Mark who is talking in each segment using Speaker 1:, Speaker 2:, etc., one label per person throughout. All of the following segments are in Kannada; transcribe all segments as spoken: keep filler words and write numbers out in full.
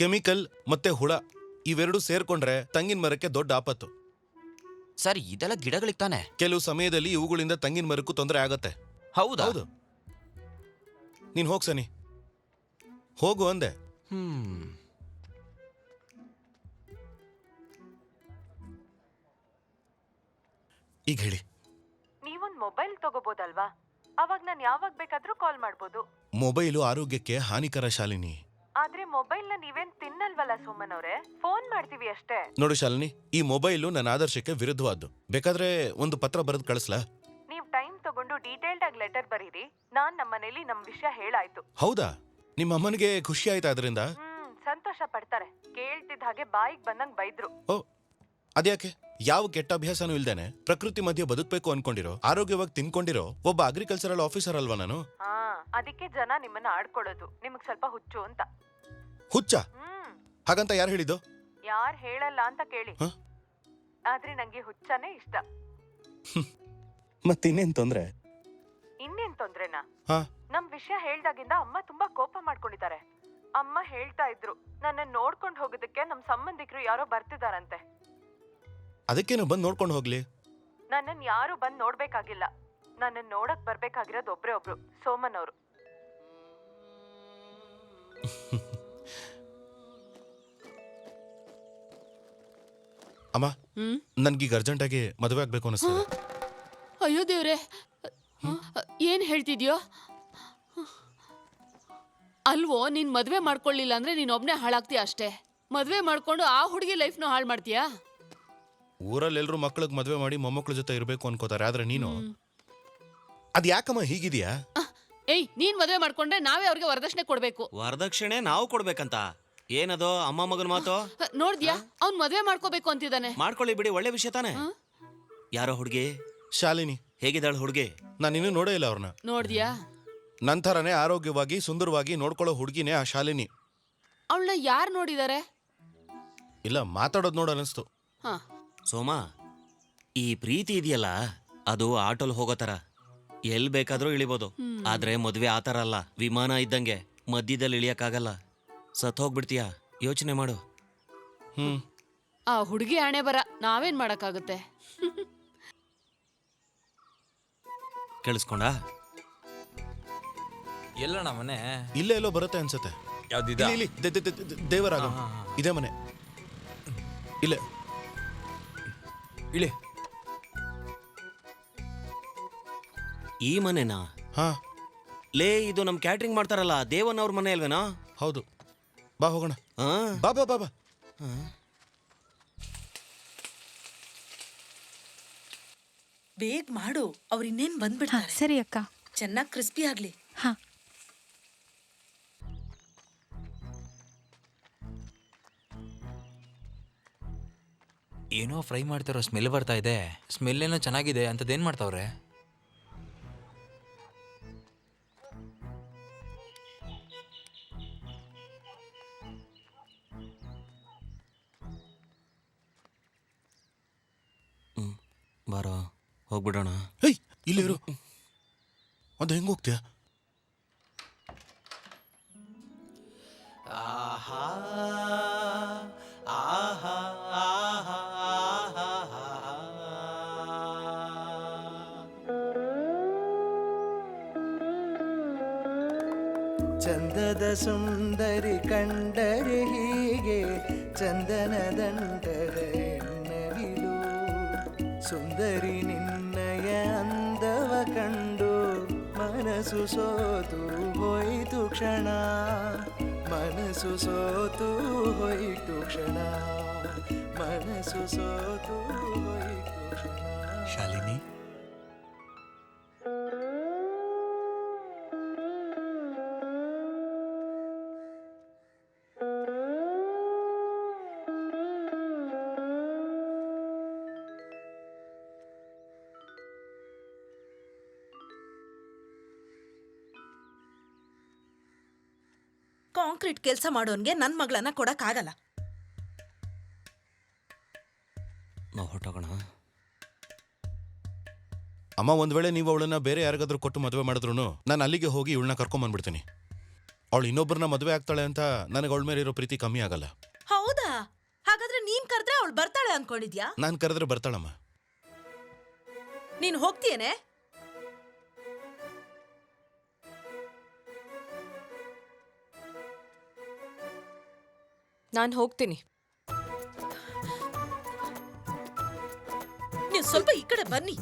Speaker 1: ಕೆಮಿಕಲ್ ಮತ್ತೆ ಹುಳ ಇವೆರಡು ಸೇರ್ಕೊಂಡ್ರೆ ತಂಗಿನ ಮರಕ್ಕೆ ದೊಡ್ಡ ಆಪತ್ತು.
Speaker 2: ಸರ್ ಇದೆಲ್ಲ ಗಿಡಗಳಿಗೆ ತಾನೆ.
Speaker 1: ಕೆಲವು ಸಮಯದಲ್ಲಿ ಇವುಗಳಿಂದ ತಂಗಿನ ಮರಕ್ಕೂ ತೊಂದರೆ ಆಗತ್ತೆ.
Speaker 2: ಹೌದಾ?
Speaker 1: ಹೌದು. ನೀನ್ ಹೋಗ್ ಸನಿ, ಹೋಗು ಅಂದೆ.
Speaker 2: ಹ್ಮ್
Speaker 1: ಈಗ ಹೇಳಿ.
Speaker 3: ನೀವೊಂದ್ ಮೊಬೈಲ್ ತಗೋಬೋದಲ್ವಾ? ಅವಾಗ ನಾನು ಯಾವಾಗ ಬೇಕಾದ್ರೂ ಕಾಲ್ ಮಾಡ್ಬೋದು.
Speaker 1: ಮೊಬೈಲು ಆರೋಗ್ಯಕ್ಕೆ ಹಾನಿಕರ ಶಾಲಿನಿ.
Speaker 3: ಆದ್ರೆ ಮೊಬೈಲ್ ನ ನೀವೇನ್ ತಿನ್ನಲ್ವಲ್ಲ ಸುಮನ್ ಅವ್ರೆ, ಫೋನ್ ಮಾಡ್ತೀವಿ ಅಷ್ಟೇ.
Speaker 1: ನೋಡು ಶಾಲಿನಿ, ಈ ಮೊಬೈಲು ನನ್ನ ಆದರ್ಶಕ್ಕೆ ವಿರುದ್ಧವಾದ್ದು. ಬೇಕಾದ್ರೆ ಒಂದು ಪತ್ರ ಬರೆದು ಕಳಿಸ್ಲಾ?
Speaker 3: ನೀವ್ ಟೈಮ್ ತಗೊಂಡು ಡೀಟೇಲ್ಡ್ ಆಗಿ ಲೆಟರ್ ಬರೀರಿ. ನಾನ್ ನಮ್ಮ ಮನೇಲಿ ನಮ್ ವಿಷಯ ಹೇಳಾಯ್ತು.
Speaker 1: ಹೌದಾ? ನಿಮ್ಮ ಅಮ್ಮನಿಗೆ ಖುಷಿ ಆಯ್ತಾ ಅದರಿಂದ?
Speaker 3: ಹ್ಮ್ ಸಂತೋಷ ಪಡ್ತಾರೆ. ಕೇಳ್ತಿದ್ದ ಹಾಗೆ ಬಾಯಿಗೆ ಬಂದಂಗ್ ಬೈದ್ರು.
Speaker 1: ಓ ಅದ್ಯಾಕೆ? ಯಾವ ಕೆಟ್ಟ ಅಭ್ಯಾಸನೂ ಇಲ್ದೇನೆ ಪ್ರಕೃತಿ ಮಧ್ಯೆ ಬದುಕಬೇಕು ಅನ್ಕೊಂಡಿರೋ, ಆರೋಗ್ಯವಾಗಿ ತಿನ್ಕೊಂಡಿರೋ ಒಬ್ಬ ಅಗ್ರಿಕಲ್ಚರಲ್ ಆಫೀಸರ್ ಅಲ್ವಾ ನಾನು?
Speaker 3: ಹಾ, ಅದಕ್ಕೆ ಜನ ನಿಮ್ಮನ್ನ ಆಡ್ಕೊಳ್ಳೋದು. ನಿಮಗ್ ಸ್ವಲ್ಪ ಹುಚ್ಚು ಅಂತ.
Speaker 1: ಹುಚ್ಚ?
Speaker 3: ಹ್ಮ್
Speaker 1: ಹಾಗಂತ ಯಾರು ಹೇಳಿದ್ದು?
Speaker 3: ಯಾರ್ ಹೇಳಲ್ಲ ಅಂತ ಕೇಳಿ.
Speaker 1: ಹ?
Speaker 3: ಆದ್ರೆ ನಂಗೆ ಹುಚ್ಚನೇ ಇಷ್ಟ.
Speaker 1: ಮತ್ತಿನ್ನೇನ್ ತೊಂದ್ರೆ?
Speaker 3: ಇನ್ನೇನ್ ತೊಂದ್ರೆನಾ?
Speaker 1: ಹಾ,
Speaker 3: ನಮ್ ವಿಷಯ ಹೇಳ್ದಾಗಿಂದ ಅಮ್ಮ ತುಂಬಾ ಕೋಪ ಮಾಡ್ಕೊಂಡಿದ್ದಾರೆ. ಅಮ್ಮ ಹೇಳ್ತಾ ಇದ್ರು, ನನ್ನ ನೋಡ್ಕೊಂಡ್ ಹೋಗೋದಕ್ಕೆ ನಮ್ ಸಂಬಂಧಿಕರು ಯಾರೋ ಬರ್ತಿದಾರಂತೆ.
Speaker 1: ಅದಕ್ಕೇನು ಬಂದು ನೋಡ್ಕೊಂಡು ಹೋಗ್ಲಿ.
Speaker 3: ನನ್ನನ್ ಯಾರು ಬಂದ್ ನೋಡ್ಬೇಕಾಗಿಲ್ಲ. ನನ್ನನ್ ನೋಡಕ್ ಬರ್ಬೇಕಾಗಿರೋದು ಒಬ್ರೇ ಒಬ್ರು, ಸೋಮನ್ ಅವರು.
Speaker 1: ಅಮ್ಮ, ನನ್ಗೀಗ ಅರ್ಜೆಂಟ್ ಆಗಿ ಮದುವೆ ಆಗ್ಬೇಕು ಅನಿಸ್ತದೆ.
Speaker 4: ಅಯ್ಯೋ ದೇವ್ರೆ, ಏನ್ ಹೇಳ್ತಿದ್ಯೋ? ಅಲ್ವೋ, ನೀನ್ ಮದ್ವೆ ಮಾಡ್ಕೊಳ್ಳಿಲ್ಲ ಅಂದ್ರೆ ನೀನ್ ಒಬ್ನೇ ಹಾಳಾಗ್ತೀಯ ಅಷ್ಟೇ. ಮದ್ವೆ ಮಾಡ್ಕೊಂಡು ಆ ಹುಡುಗಿ ಲೈಫ್ನು ಹಾಳು ಮಾಡ್ತೀಯಾ?
Speaker 1: ಊರಲ್ಲಿ ಎಲ್ರು ಮಕ್ಳಿಗೆ ಮದ್ವೆ ಮಾಡಿ ಮೊಮ್ಮಕ್ಳ ಜೊತೆ ಇರ್ಬೇಕು ಅನ್ಕೋತಾರೆ, ಆದ್ರೆ ನೀನು ಅದ್ ಯಾಕಮ್ಮ ಹೀಗಿದ್ಯಾ?
Speaker 4: ಏಯ್, ನೀನ್ ಮದ್ವೆ ಮಾಡ್ಕೊಂಡ್ರೆ ನಾವೇ ಅವ್ರಿಗೆ ವರದಕ್ಷಿಣೆ ಕೊಡ್ಬೇಕು.
Speaker 2: ವರದಕ್ಷಿಣೆ ನಾವು ಕೊಡ್ಬೇಕಂತ? ಏನದು ಅಮ್ಮ ಮಗನ ಮಾತು?
Speaker 4: ನೋಡ್ದ್ಯಾ, ಅವ್ನ್ ಮದ್ವೆ ಮಾಡ್ಕೋಬೇಕು ಅಂತಿದ್ದಾನೆ.
Speaker 2: ಮಾಡ್ಕೊಳ್ಳಿ ಬಿಡಿ, ಒಳ್ಳೆ ವಿಷಯ ತಾನೆ. ಯಾರೋ ಹುಡುಗಿ?
Speaker 1: ಶಾಲಿನಿ.
Speaker 2: ಹೇಗಿದ್ದಾಳು ಹುಡುಗಿ?
Speaker 1: ನಾನು ಇನ್ನೂ ನೋಡೇ ಇಲ್ಲ ಅವ್ರನ್ನ.
Speaker 4: ನೋಡ್ದ್ಯಾ?
Speaker 1: ನಂತರನೇ ಆರೋಗ್ಯವಾಗಿ ಸುಂದರವಾಗಿ ನೋಡ್ಕೊಳ್ಳೋ ಹುಡುಗಿನೇ ಆ ಶಾಲಿನಿ.
Speaker 4: ಅವಳನ್ನ ಯಾರು ನೋಡಿದಾರೆ?
Speaker 1: ಇಲ್ಲ, ಮಾತಾಡೋದು ನೋಡ ಅನಿಸ್ತು.
Speaker 4: ಹಾ,
Speaker 2: ಸೋಮಾ, ಈ ಪ್ರೀತಿ ಇದೆಯಲ್ಲ, ಅದು ಆಟೋಲ್ ಹೋಗೋ ತರ. ಎಲ್ ಬೇಕಾದ್ರೂ ಇಳಿಬೋದು. ಆದ್ರೆ ಮದ್ವೆ ಆತರ ಅಲ್ಲ, ವಿಮಾನ ಇದ್ದಂಗೆ ಮಧ್ಯದಲ್ಲಿ ಇಳಿಯಕ್ಕಾಗಲ್ಲ. ಸತ್ ಹೋಗ್ಬಿಡ್ತೀಯ. ಯೋಚನೆ ಮಾಡು.
Speaker 1: ಹ್ಮ್
Speaker 4: ಆ ಹುಡುಗಿ ಹಣೆ ಬರ, ನಾವೇನ್ ಮಾಡಕ್ಕಾಗುತ್ತೆ?
Speaker 2: ಕೇಳಿಸ್ಕೊಂಡ?
Speaker 5: ಎಲ್ಲಣ್ಣ ಮನೆ?
Speaker 1: ಇಲ್ಲೇ ಎಲ್ಲೋ ಬರುತ್ತೆ ಅನ್ಸುತ್ತೆ.
Speaker 5: ಯಾವ್ದಿದ?
Speaker 1: ಇಲ್ಲಿ, ಇಲ್ಲಿ, ದೆ- ದೆ- ದೆ- ದೇವರಾಗ ಇದೇ ಮನೆ. ಇಲ್ಲೇ
Speaker 5: ಇಳಿ.
Speaker 2: ಈ ಮನೆನಾ?
Speaker 1: ಹಾ
Speaker 2: ಲೇ, ಇದು ನಮ್ ಕ್ಯಾಟ್ರಿಂಗ್ ಮಾಡ್ತಾರಲ್ಲ ದೇವನ್ ಅವ್ರ ಮನೆ ಅಲ್ವೇನಾ?
Speaker 1: ಹೌದು. ಬಾ ಹೋಗೋಣ.
Speaker 2: ಆ?
Speaker 1: ಬಾ ಬಾ ಬಾ ಬಾ.
Speaker 6: ಬೇಗ ಮಾಡು, ಅವ್ರು ಇನ್ನೇನ್ ಬಂದ್ಬಿಡ್ತಾರೆ.
Speaker 7: ಸರಿ ಅಕ್ಕ.
Speaker 6: ಚೆನ್ನಾಗಿ ಕ್ರಿಸ್ಪಿ ಆಗ್ಲಿ.
Speaker 7: ಹಾ,
Speaker 5: ಏನೋ ಫ್ರೈ ಮಾಡ್ತಾರೋ ಸ್ಮೆಲ್ ಬರ್ತಾ ಇದೆ. ಸ್ಮೆಲ್ ಏನೋ ಚೆನ್ನಾಗಿದೆ. ಅಂತದೇನ್ ಮಾಡ್ತಾವ್ರೆ?
Speaker 2: ಹ್ಮ್ ಬಾರೋ, ಹೋಗ್ಬಿಡೋಣ.
Speaker 1: ಹೇಯ್, ಇಲ್ಲಿ ಇರು. ಅದು ಹೆಂಗ್ ಹೋಗ್ತೀಯ?
Speaker 2: ಆಹಾ ಆಹಾ ಆಹಾ
Speaker 8: ಚಂದದ ಸುಂದರಿ ಕಂಡರೆ ಹೀಗೆ ಚಂದನ ದಂಡದ ಎನ್ನವಿಲು. ಸುಂದರಿ ನಿನ್ನಯ ಅಂದವ ಕಂಡು ಮನಸ್ಸು ಸೋತು ಹೋಯಿತು ಕ್ಷಣ. ಮನಸ್ಸು ಸೋತು ಹೋಯಿತು ಕ್ಷಣ. ಮನಸ್ಸು ಸೋತು ಹೋಯಿತು ಕ್ಷಣ.
Speaker 5: ಶಾಲಿನಿ,
Speaker 6: ಕಾಂಕ್ರೀಟ್ ಕೆಲಸ ಮಾಡೋನ್ಗೆ ನನ್ ಮಗಳನ್ನ ಕೊಡಕ್ ಆಗಲ್ಲ.
Speaker 2: ನಾವು ಹೊಟ್ಟೋಗೋಣ.
Speaker 1: ಅಮ್ಮ, ಒಂದ್ ವೇಳೆ ನೀವು ಅವಳನ್ನ ಬೇರೆ ಯಾರಿಗಾದ್ರೂ ಕೊಟ್ಟು ಮದುವೆ ಮಾಡಿದ್ರು ನಾನು ಅಲ್ಲಿಗೆ ಹೋಗಿ ಇವಳನ್ನ ಕರ್ಕೊಂಡ್ ಬಂದ್ಬಿಡ್ತೀನಿ. ಅವಳು ಇನ್ನೊಬ್ಬರನ್ನ ಮದುವೆ ಆಗ್ತಾಳೆ ಅಂತ ನನಗೆ ಅವಳ ಮೇಲೆ ಇರೋ ಪ್ರೀತಿ ಕಮ್ಮಿ ಆಗಲ್ಲ.
Speaker 6: ಹೌದಾ? ಹಾಗಾದ್ರೆ ನೀನ್ ಕರೆದ್ರೆ ಅವಳು ಬರ್ತಾಳೆ ಅನ್ಕೊಂಡಿದ್ಯಾ?
Speaker 1: ನಾನು ಕರೆದ್ರೆ ಬರ್ತಾಳಮ್ಮ.
Speaker 6: ನೀನ್ ಹೋಗ್ತೀಯೇನೆ?
Speaker 3: ನಾನು ಹೋಗ್ತೀನಿ.
Speaker 6: ನೀವು ಸ್ವಲ್ಪ ಈ ಕಡೆ ಬನ್ನಿ.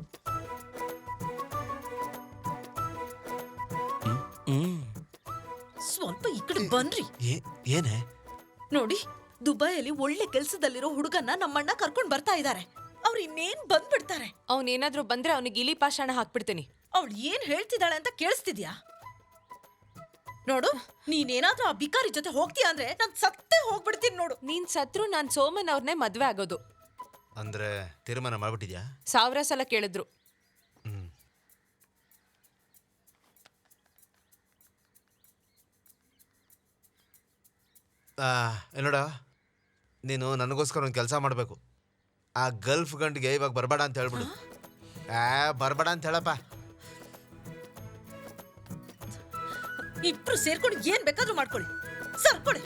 Speaker 6: ಸ್ವಲ್ಪ ಈ ಕಡೆ ಬನ್ರಿ.
Speaker 8: ಏನೇ?
Speaker 6: ನೋಡಿ, ದುಬೈಯಲ್ಲಿ ಒಳ್ಳೆ ಕೆಲ್ಸದಲ್ಲಿರೋ ಹುಡುಗನ್ನ ನಮ್ಮಣ್ಣ ಕರ್ಕೊಂಡ್ ಬರ್ತಾ ಇದ್ದಾರೆ. ಅವ್ರು ಇನ್ನೇನ್ ಬಂದ್ಬಿಡ್ತಾರೆ.
Speaker 3: ಅವನೇನಾದ್ರೂ ಬಂದ್ರೆ ಅವನಿಗೆ ಇಲಿ ಪಾಷಾಣ ಹಾಕ್ಬಿಡ್ತೀನಿ.
Speaker 6: ಅವಳು ಏನ್ ಹೇಳ್ತಿದ್ದಾಳೆ ಅಂತ ಕೇಳಿಸ್ತಿದ್ಯಾ? ನೋಡು, ನೀನೇನಾದ್ರೂ ಆ ಬಿಕಾರಿ ಜೊತೆ ಹೋಗ್ತೀಯ ಅಂದ್ರೆ ನಾನ್ ಸತ್ತೇ ಹೋಗ್ಬಿಡ್ತೀನಿ ನೋಡು.
Speaker 3: ನೀನ್ ಸತ್ರು ನಾನ್ ಸೋಮನ್ ಅವ್ರನ್ನೇ ಮದ್ವೆ ಆಗೋದು.
Speaker 7: ಅಂದ್ರೆ ತೀರ್ಮಾನ ಮಾಡ್ಬಿಟ್ಟಿದ್ಯಾ?
Speaker 3: ಸಾವಿರ ಸಲ ಕೇಳಿದ್ರು.
Speaker 7: ಹ್ಮ್. ಏನೋಡ, ನೀನು ನನಗೋಸ್ಕರ ಒಂದು ಕೆಲಸ ಮಾಡಬೇಕು. ಆ ಗಲ್ಫ್ ಗಂಟಿಗೆ ಇವಾಗ ಬರಬೇಡ ಅಂತ ಹೇಳ್ಬಿಡು. ಆ ಬರಬೇಡ ಅಂತ ಹೇಳಪ್ಪ.
Speaker 6: ಇಬ್ರು ಸೇರ್ಕೊಂಡು ಏನ್ ಬೇಕಾದ್ರೂ ಮಾಡ್ಕೊಳ್ಳಿ. ಸರ್ಕೊಳ್ಳಿ.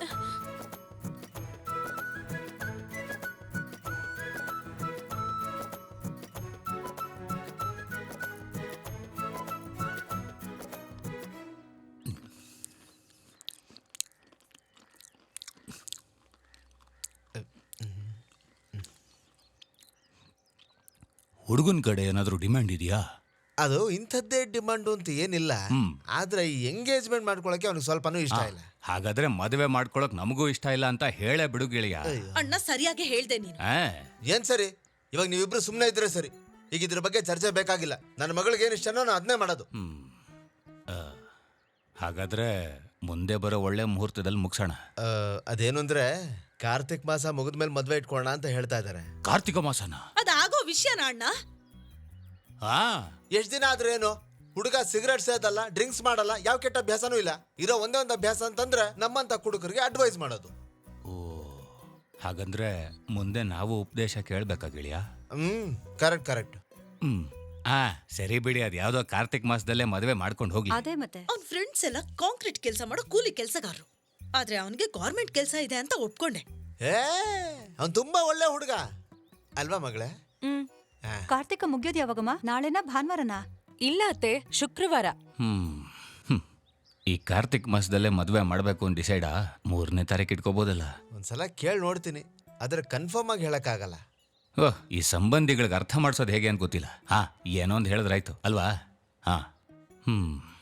Speaker 9: ಹುಡುಗನ ಕಡೆ ಏನಾದರೂ ಡಿಮ್ಯಾಂಡ್ ಇದೆಯಾ?
Speaker 7: ಅದು ಇಂಥದ್ದೇ ಡಿಮಾಂಡು ಅಂತ ಏನಿಲ್ಲ. ಆದ್ರೆ ಈ ಎಂಗೇಜ್ಮೆಂಟ್ ಮಾಡ್ಕೊಳಕ್ಕೆ ಅವ್ನಿಗೆ ಸ್ವಲ್ಪನೂ ಇಷ್ಟ ಇಲ್ಲ.
Speaker 9: ಹಾಗಾದ್ರೆ ಮದುವೆ ಮಾಡ್ಕೊಳಕ್ ನಮಗೂ ಇಷ್ಟ ಇಲ್ಲ ಅಂತ ಹೇಳೇ ಬಿಡು ಗೆಳೆಯ.
Speaker 6: ಅಣ್ಣ ಸರಿಯಾಗಿ ಹೇಳ್ದೆ ನೀನು.
Speaker 9: ಆ,
Speaker 7: ಏನ್ ಸರಿ? ಇವಾಗ ನೀವಿಬ್ರು ಸುಮ್ಮನೆ ಇದ್ರೆ ಸರಿ. ಈಗ ಇದ್ರ ಬಗ್ಗೆ ಚರ್ಚೆ ಬೇಕಾಗಿಲ್ಲ. ನನ್ನ ಮಗಳಿಗೆ ಏನು ಇಷ್ಟನೋ ನಾನು ಅದನ್ನೇ ಮಾಡೋದು.
Speaker 9: ಹ್ಮ್. ಆ, ಹಾಗಾದ್ರೆ ಮುಂದೆ ಬರೋ ಒಳ್ಳೆ ಮುಹೂರ್ತದಲ್ಲಿ ಮುಗಿಸೋಣ.
Speaker 7: ಆ, ಅದೇನು ಅಂದ್ರೆ ಕಾರ್ತಿಕ್ ಮಾಸ ಮುಗಿದ್ಮೇಲೆ ಮದ್ವೆ ಇಟ್ಕೊಳ್ಳೋಣ ಅಂತ ಹೇಳ್ತಾ ಇದ್ದಾರೆ.
Speaker 9: ಕಾರ್ತಿಕ ಮಾಸನ?
Speaker 6: ಅದಾಗೋ ವಿಷಯನ ಅಣ್ಣ?
Speaker 9: ಹಾ.
Speaker 7: ಎಷ್ಟ್ ದಿನ ಆದ್ರೆ ಏನು? ಹುಡುಗ ಸಿಗರೇಟ್ ಸೇದಲ್ಲ, ಡ್ರಿಂಕ್ಸ್ ಮಾಡಲ್ಲ, ಯಾವ ಕೆಟ್ಟ ಅಭ್ಯಾಸನೂ ಇಲ್ಲ. ಇರೋ ಒಂದೇ ಒಂದು ಅಭ್ಯಾಸ ಅಂತಂದ್ರೆ ನಮ್ಮಂತ ಕುಡುಕರಿಗೆ ಅಡ್ವೈಸ್ ಮಾಡೋದು.
Speaker 9: ಓ, ಹಾಗಂದ್ರೆ ಮುಂದೆ ನಾವು ಉಪದೇಶ ಕೇಳ್ಬೇಕಾ ಗೆಳೆಯ?
Speaker 7: ಹ್ಮ್, ಕರೆಕ್ಟ್ ಕರೆಕ್ಟ್.
Speaker 9: ಹ್ಮ್. ಆ ಸರಿ ಬಿಡಿ, ಅದ್ ಯಾವ್ದೋ ಕಾರ್ತಿಕ್ ಮಾಸದಲ್ಲೇ ಮದುವೆ ಮಾಡ್ಕೊಂಡು ಹೋಗ್ಲಿ.
Speaker 10: ಅದೇ ಮತ್ತೆ
Speaker 6: ಅವ್ನ್ ಫ್ರೆಂಡ್ಸ್ ಎಲ್ಲ ಕಾಂಕ್ರೀಟ್ ಕೆಲಸ ಮಾಡೋ ಕೂಲಿ ಕೆಲಸಗಾರರು. ಆದ್ರೆ ಅವನಿಗೆ ಗೌರ್ಮೆಂಟ್ ಕೆಲಸ ಇದೆ ಅಂತ ಒಪ್ಕೊಂಡೆ.
Speaker 7: ಏ ಅವ್ನ್ ತುಂಬಾ ಒಳ್ಳೆ ಹುಡುಗ ಅಲ್ವಾ ಮಗಳೇ?
Speaker 10: ಹ್ಮ್ ಕಾರ್ತಿಕ ಮುಗಿಯೋದು ಯಾವಾಗಮ್ಮ? ನಾಳೆನಾ ಭಾನುವಾರನಾ?
Speaker 3: ಇಲ್ಲ ಅತ್ತೆ, ಶುಕ್ರವಾರ.
Speaker 9: ಹ್ಮ್ ಹ್ಮ್. ಈ ಕಾರ್ತಿಕ್ ಮಾಸದಲ್ಲೇ ಮದುವೆ ಮಾಡ್ಬೇಕು ಅಂತ ಡಿಸೈಡಾ? ಮೂರನೇ ತಾರೀಕು ಇಟ್ಕೋಬೋದಲ್ಲ?
Speaker 7: ಒಂದ್ಸಲ ಕೇಳಿ ನೋಡ್ತೀನಿ, ಆದ್ರೆ ಕನ್ಫರ್ಮ್ ಆಗಿ ಹೇಳಕ್ಕಾಗಲ್ಲ.
Speaker 9: ಓಹ್, ಈ ಸಂಬಂಧಿಗಳಿಗೆ ಅರ್ಥ ಮಾಡ್ಸೋದು ಹೇಗೆ ಅಂತ ಗೊತ್ತಿಲ್ಲ. ಹಾ, ಏನೋ ಒಂದು ಹೇಳಿದ್ರಾಯ್ತು ಅಲ್ವಾ? ಹಾ. ಹ್ಮ್